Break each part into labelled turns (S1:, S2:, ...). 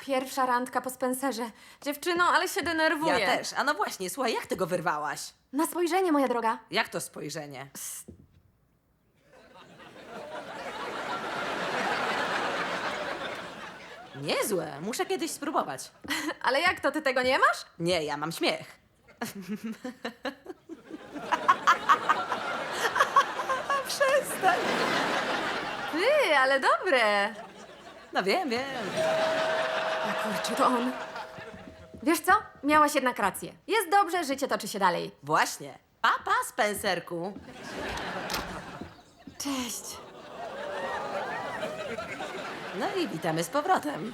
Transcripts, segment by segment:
S1: Pierwsza randka po Spencerze. Dziewczyno, ale się denerwuję.
S2: Ja też. A no właśnie, słuchaj, jak ty go wyrwałaś?
S1: Na spojrzenie, moja droga.
S2: Jak to spojrzenie? Niezłe, muszę kiedyś spróbować.
S1: Ale jak to, ty tego nie masz?
S2: Nie, ja mam śmiech. Przestań.
S1: Ty, ale dobre.
S2: No wiem, wiem.
S1: A kurczę, to on. Wiesz co? Miałaś jednak rację. Jest dobrze, życie toczy się dalej.
S2: Właśnie. Papa, Spencerku.
S1: Cześć.
S2: No i witamy z powrotem.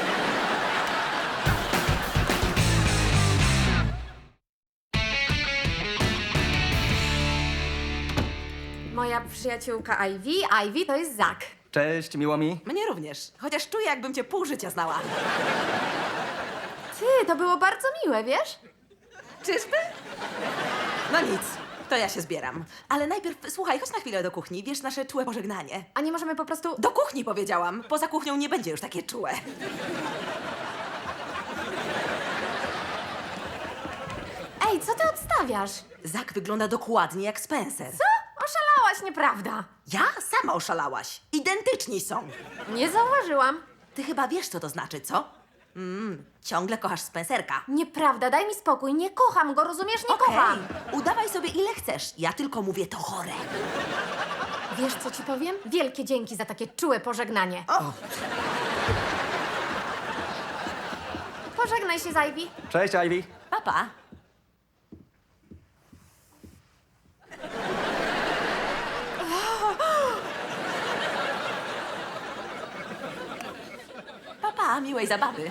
S1: Moja przyjaciółka Ivy. Ivy to jest Zak.
S3: Cześć, miło mi.
S2: Mnie również. Chociaż czuję, jakbym cię pół życia znała.
S1: Ty, to było bardzo miłe, wiesz?
S2: Czyżby? No nic, to ja się zbieram. Ale najpierw, słuchaj, chodź na chwilę do kuchni. Wiesz, nasze czułe pożegnanie.
S1: A nie możemy po prostu...
S2: Do kuchni powiedziałam. Poza kuchnią nie będzie już takie czułe.
S1: Ej, co ty odstawiasz?
S2: Zak wygląda dokładnie jak Spencer.
S1: Co? Oszalałaś, nieprawda.
S2: Ja? Sama oszalałaś. Identyczni są.
S1: Nie zauważyłam.
S2: Ty chyba wiesz, co to znaczy, co? Ciągle kochasz Spencerka.
S1: Nieprawda, daj mi spokój. Nie kocham go, rozumiesz? Nie
S2: Okej,
S1: kocham.
S2: udawaj sobie ile chcesz. Ja tylko mówię to chore.
S1: Wiesz, co ci powiem? Wielkie dzięki za takie czułe pożegnanie.
S2: O,
S1: Pożegnaj się z Ivy.
S3: Cześć, Ivy.
S2: papa. Papa, miłej zabawy.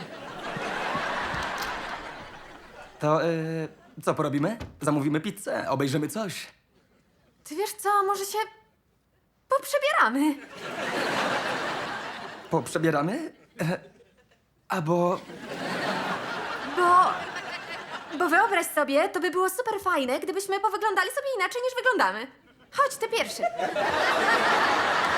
S3: To, co porobimy? Zamówimy pizzę, obejrzymy coś.
S1: Ty wiesz co, może się poprzebieramy.
S3: Poprzebieramy? Albo...
S1: Bo wyobraź sobie, to by było super fajne, gdybyśmy powyglądali sobie inaczej niż wyglądamy. Chodź, ty pierwszy.